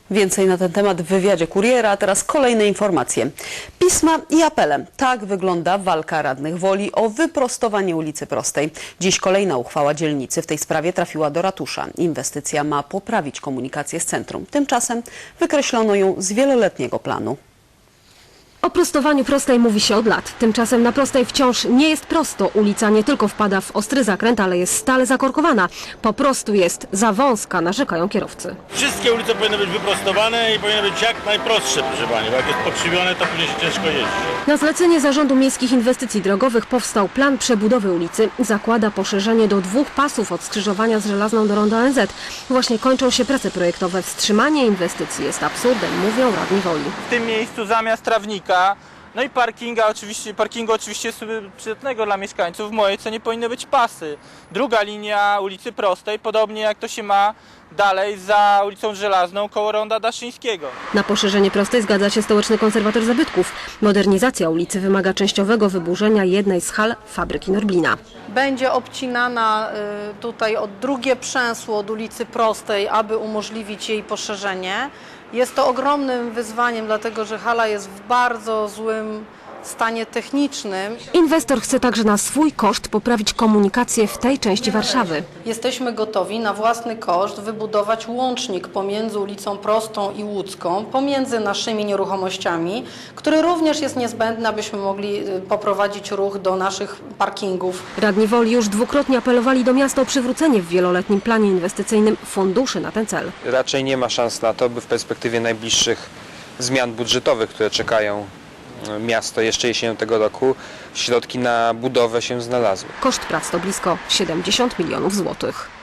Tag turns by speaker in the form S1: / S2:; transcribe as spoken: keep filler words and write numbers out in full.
S1: Więcej na ten temat w wywiadzie Kuriera, a teraz kolejne informacje. Pisma i apele. Tak wygląda walka radnych Woli o wyprostowanie ulicy Prostej. Dziś kolejna uchwała dzielnicy w tej sprawie trafiła do ratusza. Inwestycja ma poprawić komunikację z centrum. Tymczasem wykreślono ją z wieloletniego planu.
S2: O prostowaniu Prostej mówi się od lat. Tymczasem na Prostej wciąż nie jest prosto. Ulica nie tylko wpada w ostry zakręt, ale jest stale zakorkowana. Po prostu jest za wąska, narzekają kierowcy.
S3: Wszystkie ulice powinny być wyprostowane i powinny być jak najprostsze, proszę pani, bo jak jest pokrzywione, to później się ciężko jeździ.
S2: Na zlecenie Zarządu Miejskich Inwestycji Drogowych powstał plan przebudowy ulicy. Zakłada poszerzenie do dwóch pasów od skrzyżowania z Żelazną do ronda O N Z. Właśnie kończą się prace projektowe. Wstrzymanie inwestycji jest absurdem, mówią radni Woli.
S4: W tym miejscu zamiast trawnika, no i parkinga oczywiście, parkingu oczywiście przydatnego dla mieszkańców, w mojej ocenie powinny być pasy. Druga linia ulicy Prostej, podobnie jak to się ma dalej za ulicą Żelazną koło ronda Daszyńskiego.
S2: Na poszerzenie Prostej zgadza się stołeczny konserwator zabytków. Modernizacja ulicy wymaga częściowego wyburzenia jednej z hal fabryki Norblina.
S5: Będzie obcinana tutaj od drugie przęsło od ulicy Prostej, aby umożliwić jej poszerzenie. Jest to ogromnym wyzwaniem, dlatego że hala jest w bardzo złym stanie technicznym.
S2: Inwestor chce także na swój koszt poprawić komunikację w tej części Warszawy.
S5: Jesteśmy gotowi na własny koszt wybudować łącznik pomiędzy ulicą Prostą i Łódzką, pomiędzy naszymi nieruchomościami, który również jest niezbędny, abyśmy mogli poprowadzić ruch do naszych parkingów.
S2: Radni Woli już dwukrotnie apelowali do miasta o przywrócenie w wieloletnim planie inwestycyjnym funduszy na ten cel.
S6: Raczej nie ma szans na to, by w perspektywie najbliższych zmian budżetowych, które czekają miasto jeszcze jesienią tego roku, środki na budowę się znalazły.
S2: Koszt prac to blisko siedemdziesiąt milionów złotych.